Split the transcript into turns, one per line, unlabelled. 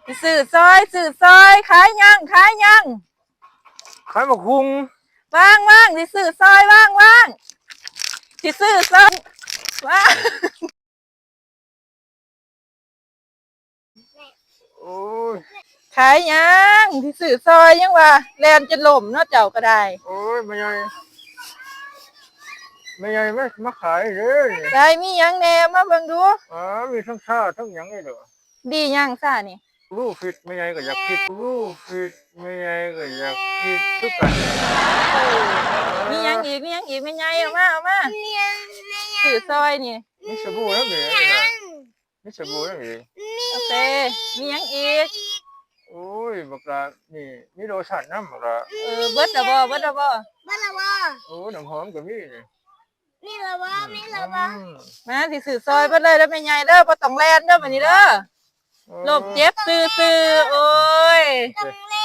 สิซื้อซอยขายยัง
ขายบักฮุง
ว่างสิซื้อซอยว่างสิซื้อซอยว่าง
โอ้ย
ขายยังสิซื้อซอยยังว่าแลนจะล่มเนาะเจ้าก็ได้
โอ้ยไม่ใหญ่ไม่มาขายเลย
ได้มีหยังแหน่มาเบิ่งดู
อ๋อมีทั้งชาทั้งหยังไงเด้อ
ดีหยังซ่านี่
ลูกฟิตไม่ใหญ่ก็อยากฟิตลูกฟิตไม่ใหญ่ก็อยากฟิตทุกกัน
มีหยังอีกแม่ใหญ่เอามาซื้อซอยนี่
มีสบู่แล้วเหรอมีสบู่แล้วเหรอ
โอเคมีหยังอีก
โอ้ยบักละนี่มีโลชั่นน้ำบักละ
เบิดละบ่
บ้านละบ่
โอ้น้ำหอมก็มีนี่
มีละบ่มีละบ่
มาสิซื้อซอยเบิดเลยแล้วแม่ใหญ่เด้อบ่ต้องแลนเด้อบัดนี้เด้อลบเจ็บซื้อโอ้ย
ต้องเล่